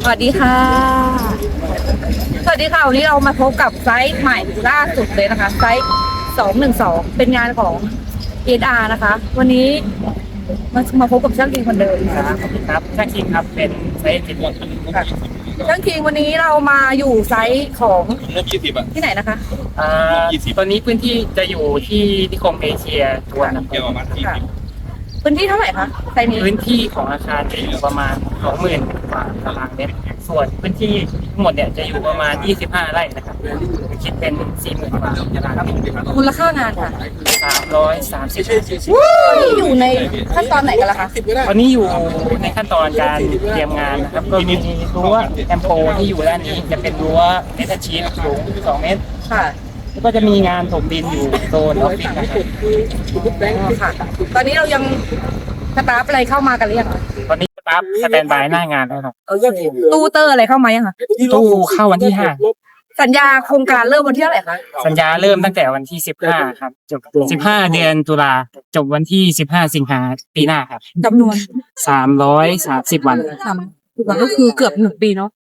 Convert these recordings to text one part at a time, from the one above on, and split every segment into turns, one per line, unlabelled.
วัสดีค่ะสวัสดีค่ะวันนี้เรามาพบกับไซต์ใหม่ล่าสุดเลยนะคะไซต์212เป็นงานของ ESR นะคะ วันนี้มาพบกับช่างคิงคนเดิม
ครับช่างคิงครับเป็นไซต์จิตวัตร
ค่ะช่างคิงวันนี้เรามาอยู่ไซต์ของที่ไหนนะคะ
ตอนนี้พื้นที่จะอยู่ที่นิคมเอเชียทวนนะครับ
ค่ะพื้นที่เท่าไหร่คะไซต์นี้
พื้นที่ของอาคารจะอยู่ประมาณ 20,000 กว่าตารางเมตรส่วนพื้นที่ทั้งหมดเนี่ยจะอยู่ประมาณ25 ไร่นะครับคิดเป็น 40,000 กว่าตารางเมตร
มูลค่างานค่ะ
330
ตอนนี้อยู่ในขั้นตอนไหนกันล่ะคะ
ตอนนี้อยู่ในขั้นตอนการเตรียมงานนะครับก็มีรั้วแอมโปที่อยู่ด้านนี้จะเป็นรั้วเมทัลชีทสูง2 เมตร
ค่ะ
แล้วก็จะมีงานถมดินอยู่โซนออฟฟิศนะครับ
ค่ะ ตอนนี้เรายังสตาฟอะไรเข้ามากันหรือยังคะ
ตอนนี้สตาฟสแตนบายหน้างานแล้วครับ
ตู้เตอร์อะไรเข้ามายังคะ
ตู้เข้าวันที่
สัญญาโครงการเริ่มวันที่เท่าไหร่คะ
5สัญญาเริ่มตั้งแต่วันที่15ครับจบ15 เดือนตุลาจบวันที่15 สิงหาปีหน้าครับ
จำนวน
330 วัน
วันก็คือเกือบ1 ปีเนาะ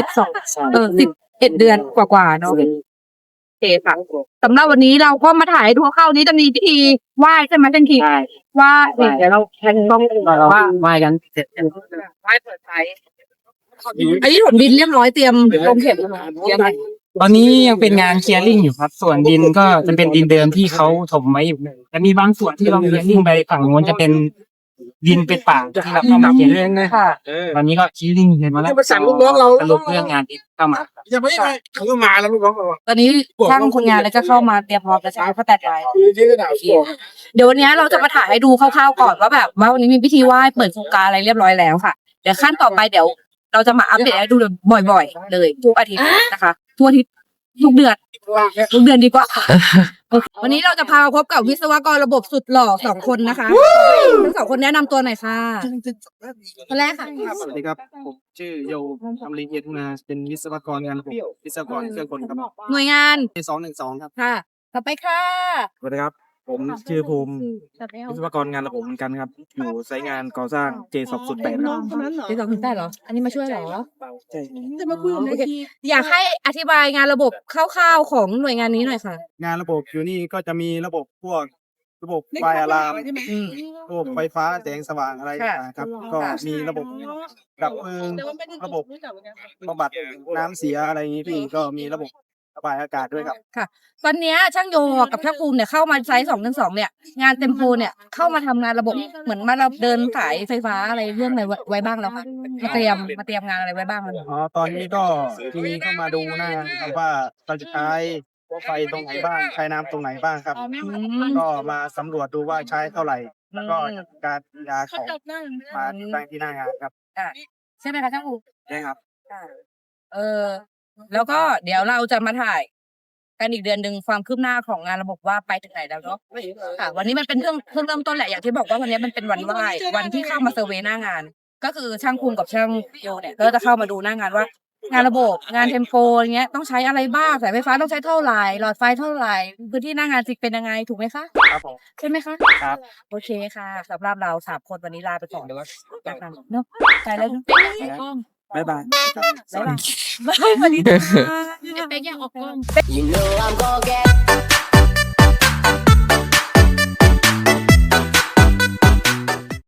11 เดือนกว่าๆเนาะโอเคค่ะสำหรับวันนี้เราก็มาถ่ายให้ดูคร่าวๆนี้จะมีพิธีไหว้ใช่ไหมท่านคิง
ใช่
ว่าเดี๋ยวเราแทนต้อง
เรา
ว่า
ไหว้กันเสร็จ
ไหว้เปิดไฟอันนี้ถมดินเรียบร้อยเตรียมลงเข็มแล้วยังไง
ตอนนี้ยังเป็นงานเคลียร์ลิ่งอยู่ครับ ส่วนดินก็จะเป็นดินเดิมที่เขาถมไว้อยู่แต่มีบางส่วนที่เราเคลียร์ลิ่งไปฝั่งโน้นจะเป็นดินเป็นป่าที่เราเข้ามาเคลียร์ลิ่ง
ค่ะ
ตอนนี้ก็เคลียร์ลิ่งเสร็จมาแล้ว
มาสั่งลูกน้องเรา
สรุปเรื่องงานที่เข้ามา
อย่าไม่ไปเขาก็มาแล้วลูกน้องเรา
ตอนนี้ช่างคนงานแล้วจะเข้ามาเตรียมพร้อมแล้วใช่ไหมเขาแต่ใจ
ที่ระดับ
เดี๋ยววันนี้เราจะมาถ่ายให้ดูคร่าวๆก่อนว่าแบบว่าวันนี้มีพิธีไหว้เปิดโครงการอะไรเรียบร้อยแล้วค่ะเดี๋ยวขั้นต่อไปเดี๋ยวเราจะมาอัปเดตให้ดูบ่อยๆเลยทุกอาทิตย์นะคะทุกอาทิตย์ทุกเดือนดีกว่าโอเควันนี้เราจะพามาพบกับวิศวกรระบบสุดหล่อ2 คนนะคะทั้ง2 คนแนะนำตัวหน่อยค่ะคนแรกค่ะ
สวัสดีครับผมชื่อโยทำรีเอทุนาเป็นวิศวกรงานระบบวิศวกรเครื่องกลครับ
หน่วยงาน
212ครับ
ค่ะต่อไปค่ะ
สวัสดีครับผมชื่อภูมิวิศวกรงานระบบเหมือนกันครับอยู่ไซต์งานก่อสร้าง J208 ครับ
ที่2 ได้เหรออันนี้มาช่วยเหรอ
ใช่
จะมาคุยกับอยากให้อธิบายงานระบบคร่าวๆของหน่วยงานนี้หน่อยค่ะ
งานระบบอยู่นี่ก็จะมีระบบพวกระบบไฟอะลามระบบไฟฟ้าแสงสว่างอะไรนะครับก็มีระบบดับเพลิงระบบบำบัดน้ำเสียอะไรอย่างนี้พี่ก็มีระบบระบายอากาศด้วยครับ
ค่ะตอนเนี้ยช่างโยกับช่างภูมิเนี่ยเข้ามาไซต์212เนี่ยงานเต็มโพเนี่ยเข้ามาทำงานระบบเหมือนมาเราเดินสายไฟฟ้าอะไรเรื่องอะไรไว้บ้างแล้วค่ะมาเตรียมงานอะไรไว้บ้างแล้ว
อ๋อตอนนี้ก็มีเข้ามาดูหน้างานครับว่าเราจะใช้ไฟตรงไหนบ้างใช้น้ำตรงไหนบ้างครับ ก็มาสำรวจดูว่าใช้เท่าไหร่ แล้วก็การยาของมาติดตั้งที่หน้างานครับ
ใช่ไหมคะช่างภูมิ
ใช่ครับ
แล้วก็เดี๋ยวเราจะมาถ่ายกันอีกเดือนหนึ่งความคืบหน้าของงานระบบว่าไปถึงไหนแล้วเนาะค่ะ วันนี้มันเป็นเพิ่งเริ่มต้นแหละอย่างที่บอกว่าวันนี้มันเป็นวันไหว้วันที่เข้ามาเซอร์เวย์หน้างาน ก็คือช่างภูมิกับช่างโยเนี่ยก็จะเข้ามาดูหน้างานว่า งานระบบงานเทมโปอย่างเงี้ยต้องใช้อะไรบ้างสายไฟฟ้าต้องใช้เท่าไหร่หลอดไฟเท่าไหร่พื้นที่หน้างานจริงเป็นยังไงถูกไหมคะ
ครับผม
ใช่ไหมคะ
ครับ
โอเคค่ะสำหรับเรา3 คนวันนี้ลาไปก่อนจากนั้นเนาะไปแล้วเนอะ
บ๊ายบาย
บ๊ายบายสวัสดีค่ะ
You know I'm gonna get